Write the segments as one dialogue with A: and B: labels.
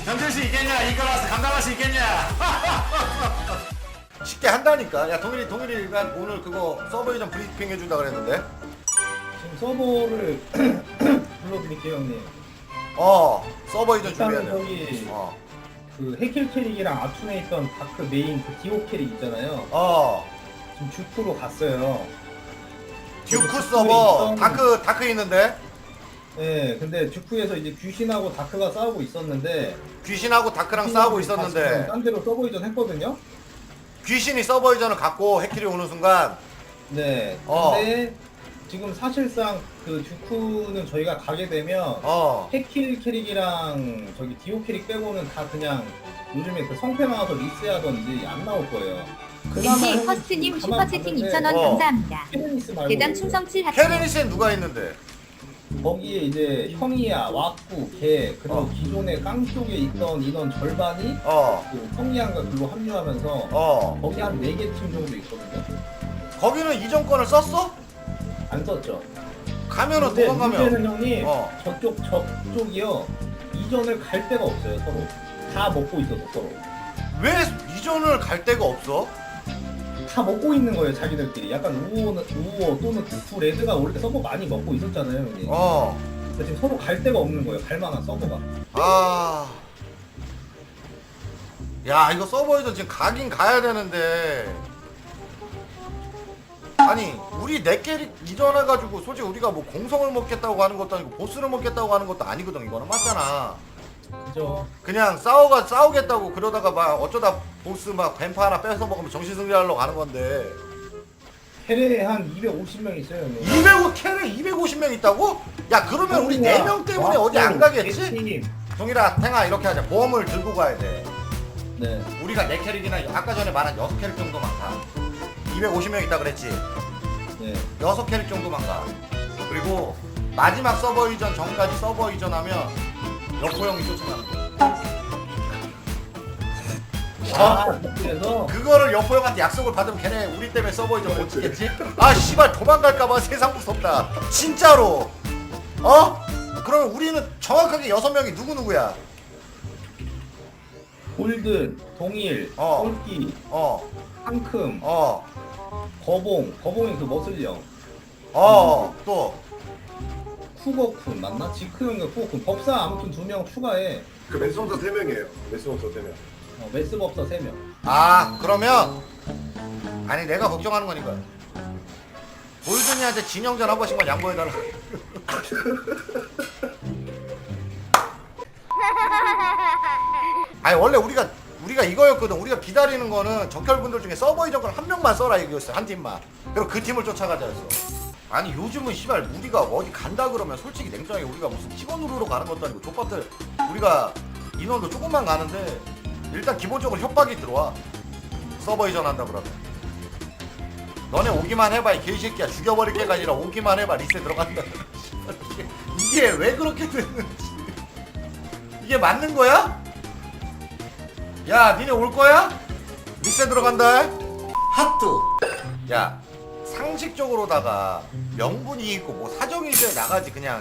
A: 견딜 수 있겠냐? 이끌어서 감당할 수 있겠냐?
B: 쉽게 한다니까. 야 동일이가 오늘 그거 서버 이전 브리핑 해준다 그랬는데.
C: 지금 서버를 불러드릴게요 형님.
B: 서버 이전 준비해야
C: 일단은
B: 돼.
C: 저기 그 해킬 캐릭이랑 아툰에 있던 다크 메인 그 디오 캐릭 있잖아요. 지금 주프로 갔어요.
B: 듀크 서버 다크 있는데.
C: 네, 근데 주프에서 이제 귀신하고 다크가 싸우고 있었는데
B: 귀신하고 다크랑 싸우고 있었는데
C: 딴 데로 서버 이전 했거든요.
B: 귀신이 서버 이전을 갖고 해킬이 오는 순간
C: 네. 근데 지금 사실상 그 주프는 저희가 가게 되면 해킬 캐릭이랑 저기 디오 캐릭 빼고는 다 그냥 요즘에 그 성패 나와서 리스하던지 안 나올 거예요.
D: 린지 퍼스트님 슈퍼채팅 2,000원 감사합니다.
C: 케르니스 말고
D: 대장
C: 이제
D: 충성 7 하트.
B: 케르니스엔 누가 있는데?
C: 거기에 이제 형이야, 왁구, 걔 그리고 기존에 깡 쪽에 있던 인원 절반이 그 성리안과 글로 합류하면서 거기 한 4개 팀 정도 있거든요.
B: 거기는 이전권을 썼어?
C: 안 썼죠.
B: 가면은
C: 근데
B: 도망가면
C: 문제는 형님 저쪽이요 이전을 갈 데가 없어요. 서로 다 먹고 있어서 서로
B: 왜 이전을 갈 데가 없어?
C: 다 먹고 있는 거예요. 자기들끼리 약간 우호 또는 두 레드가 원래 서버 많이 먹고 있었잖아요 형님. 근데 지금 서로 갈 데가 없는 거예요. 갈 만한 서버가.
B: 야 이거 서버 이전 지금 가긴 가야 되는데 아니 우리 네 캐릭 이전해가지고 솔직히 우리가 뭐 공성을 먹겠다고 하는 것도 아니고 보스를 먹겠다고 하는 것도 아니거든. 이거는 맞잖아.
C: 그죠.
B: 그냥 싸우겠다고 그러다가 막 어쩌다 보스 막 뱀파 하나 뺏어 먹으면 정신승리하려고 가는 건데
C: 캐레에 한 250명 있어요 형님.
B: 200캐릭 250명 있다고? 야 그러면 우리 4명 때문에 어디 안 가겠지? 동일아 탱아 이렇게 하자. 보험을 들고 가야 돼.
C: 네.
B: 우리가 4캐릭이나 아까 전에 말한 6캐릭 정도만 가. 250명 있다 그랬지?
C: 네.
B: 6캐릭 정도만 가. 그리고 마지막 서버 이전 전까지 서버 이전하면 여포형이 쫓아가는 거야.
C: 그래서
B: 그거를 여포형한테 약속을 받으면 걔네 우리 때문에 서버 이전 못 찍겠지? 아 씨발 도망갈까봐 세상 무섭다. 진짜로. 그러면 우리는 정확하게 6명이 누구누구야?
C: 골든, 동일, 꼴기, 상큼, 거봉이 그 머슬령,
B: 또
C: 쿠거쿤 맞나? 지크형과 쿠거쿤 법사 아무튼 2명 추가해.
E: 그 메스원서 3명이에요. 메스원서 3명.
C: 메스 법사 3명.
B: 그러면 아니 내가 걱정하는 거니까 골든이한테 진영전 한 번씩만 양보해달라. 아니 원래 우리가 이거였거든. 우리가 기다리는 거는 적혈분들 중에 서버 이전 걸 한 명만 써라 이거였어. 한 팀만. 그리고 그 팀을 쫓아가자였어. 아니 요즘은 씨발 우리가 어디 간다 그러면 솔직히 냉정하게 우리가 무슨 직원 누르러 가는 것도 아니고 족밥들 우리가 인원도 조금만 가는데 일단 기본적으로 협박이 들어와. 서버 이전한다 그러면 너네 오기만 해봐 이 개새끼야. 죽여버릴 게가 아니라 오기만 해봐 리셋 들어간다. 이게 왜 그렇게 됐는지. 이게 맞는 거야? 야 니네 올 거야? 리셋 들어간다. 하트. 야 상식적으로다가 명분이 있고 뭐 사정이 있어야 나가지 그냥.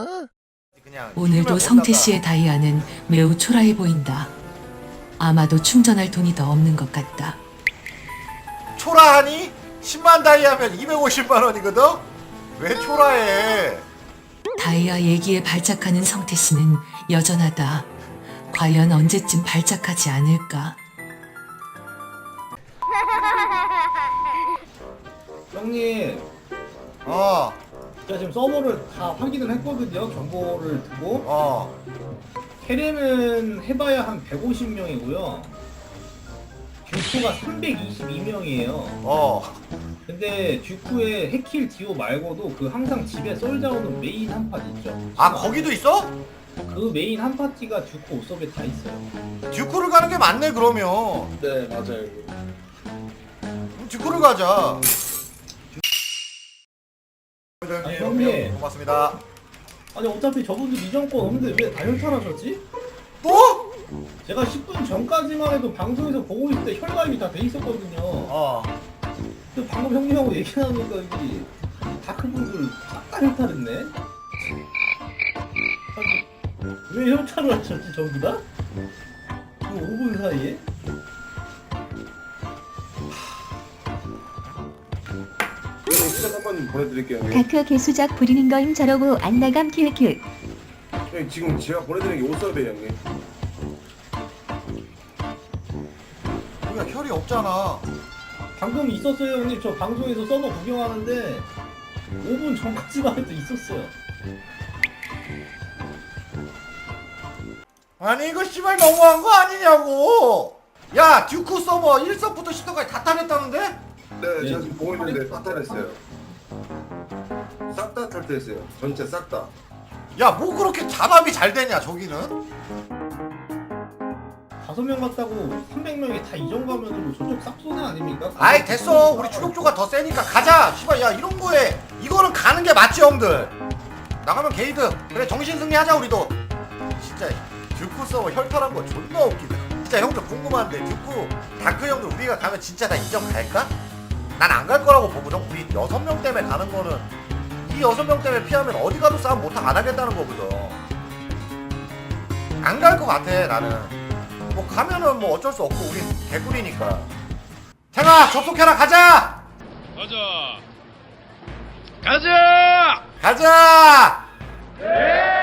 F: 오늘도 성태 씨의 다이아는 매우 초라해 보인다. 아마도 충전할 돈이 더 없는 것 같다.
B: 초라하니? 10만 다이아면 250만 원이거든? 왜 초라해?
F: 다이아 얘기에 발작하는 성태 씨는 여전하다. 과연 언제쯤 발작하지 않을까?
C: 형님, 제가 지금 서버를 다 확인을 했거든요. 정보를 두고. 캐렘은 해봐야 한 150명이고요. 듀쿠가 322명이에요. 근데 듀쿠의 해킬 디오 말고도 그 항상 집에 썰자오는 메인 한 파티 있죠.
B: 거기도 있어?
C: 그 메인 한 파티가 듀쿠 옷섭에 다 있어요.
B: 듀크를 가는 게 맞네 그러면.
E: 네, 맞아요.
B: 듀크를 가자.
C: 아니, 형님.
B: 고맙습니다.
C: 아니 어차피 저분들 이전권 없는데 왜 다혈탈하셨지?
B: 또?
C: 제가 10분 전까지만 해도 방송에서 보고 있을 때 혈가입이 다 돼 있었거든요. 근데 방금 형님하고 얘기 나누니까 여기 다크분들 싹 다 혈탈했네? 왜 협찬을 하셨지 전부 다? 그 5분 사이에?
E: 시작 한번 보내드릴게요. 형님.
D: 다크 개수작 부리는 거임 저러고 안 나감 키우키.
E: 형님, 지금 제가 보내드리는 게 5서베 형님.
B: 우리가 혈이 없잖아.
C: 방금 있었어요 형님. 저 방송에서 서버 구경하는데 5분 전까지만 해도 있었어요.
B: 아니 이거 씨발 너무한 거 아니냐고. 야 듀크 서버 1서부터 10서까지 다 탈했다는데?
E: 네, 제가 지금 보고 있는데 다 탈했어요. 싹 다 탈퇴했어요. 전체 싹 다.
B: 야 뭐 그렇게 잔압이 잘 되냐 저기는?
C: 5명 갔다고 300명이 다 이전 가면은 저쪽 싹소네 아닙니까?
B: 아이 됐어. 우리 주력조가 더 세니까 가자. 씨발 야 이런 거에 이거는 가는 게 맞지 형들. 나가면 게이드. 그래 정신승리 하자 우리도. 진짜 듀크 서버 혈탈한 거 존나 웃기다. 진짜 형들 궁금한데 듀크 다크 형들 우리가 가면 진짜 다 이전 갈까? 난 안 갈 거라고 보거든. 우리 6명 때문에 가는 거는 이 6명 때문에 피하면 어디 가도 싸움 못하 안 하겠다는 거거든. 안 갈 거 같아 나는. 뭐 가면은 뭐 어쩔 수 없고 우린 개꿀이니까. 태가 접속해라 가자.
A: 가자!
B: 가자.